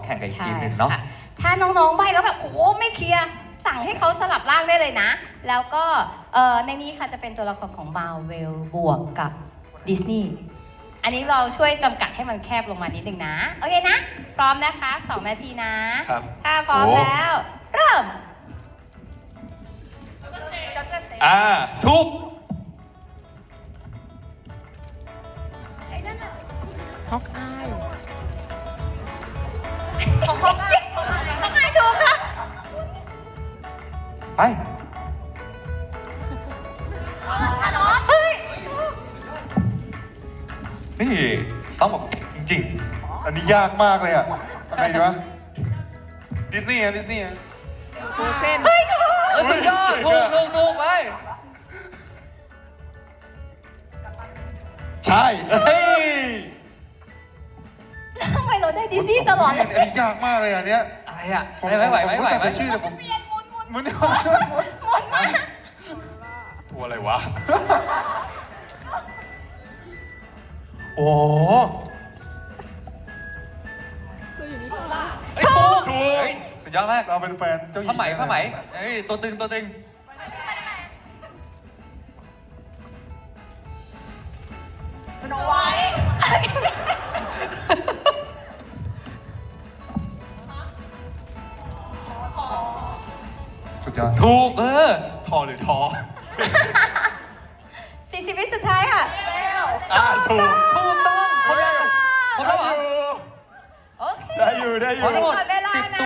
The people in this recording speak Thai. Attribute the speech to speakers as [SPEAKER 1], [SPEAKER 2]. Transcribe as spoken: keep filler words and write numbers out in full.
[SPEAKER 1] แข่งกับอีกทีมหนึ่งเนาะ
[SPEAKER 2] ถ้าน้องๆใบแล้วแบบโอ้ไม่เคลียร์สั่งให้เขาสลับร่างได้เลยนะแล้วก็ในนี้ค่ะจะเป็นตัวละครของ Marvel บวกกับดิสนีย์อันนี้เราช่วยจำกัดให้มันแคบลงมานิดนึงนะโอเคนะพร้อมนะคะสองนาทีนะถ้าพร้อมแล้วเริ่ม
[SPEAKER 1] อ่าทุก
[SPEAKER 3] ฮอกอาย
[SPEAKER 2] ของฮอกอายฮอกอายถูกครับ
[SPEAKER 1] ไป
[SPEAKER 2] เฮ้ย
[SPEAKER 1] นี่ต้องบอกจริง
[SPEAKER 4] อันนี้ยากมากเลยอ่ะทำไงดีวะดิสนีย์อ่ะดิสนีย์อ่ะ
[SPEAKER 3] โฟเซน
[SPEAKER 2] เฮ้ยถูก
[SPEAKER 1] ๆสุดยอดถูกถูกถูกไปใช่เฮ้ย
[SPEAKER 2] ทำไมเราได้ดิสนีย์ตลอดเลย
[SPEAKER 4] อันนี้ยากมากเลยอันเนี้ย
[SPEAKER 1] อะไรอ่ะไม่ไหวไม่ไหวไม่ไหว
[SPEAKER 4] ผมรู้จักแต่ชื่อแต่ผมมัน
[SPEAKER 2] หมดมาก
[SPEAKER 4] ตัวอะไรวะ
[SPEAKER 1] โอ้ถูกถูกสุดยอดมาก
[SPEAKER 4] เราเป็นแฟนเจ้าหญิง
[SPEAKER 1] ผ้าไหมผ้าไหมเอ้ยตัวตึงตัวตึง
[SPEAKER 2] สโนไวท์
[SPEAKER 4] สุดยอด
[SPEAKER 1] ถูกเออ
[SPEAKER 4] ทอหรือทอ
[SPEAKER 2] สี่สิบวิสุดท้ายค่ะ
[SPEAKER 1] อ่าถูกถูกต้องครบแล้วครบแล้วเหรอ
[SPEAKER 2] โอเค
[SPEAKER 4] ได้อยู่ได้อยู่
[SPEAKER 2] หมดเวลานะ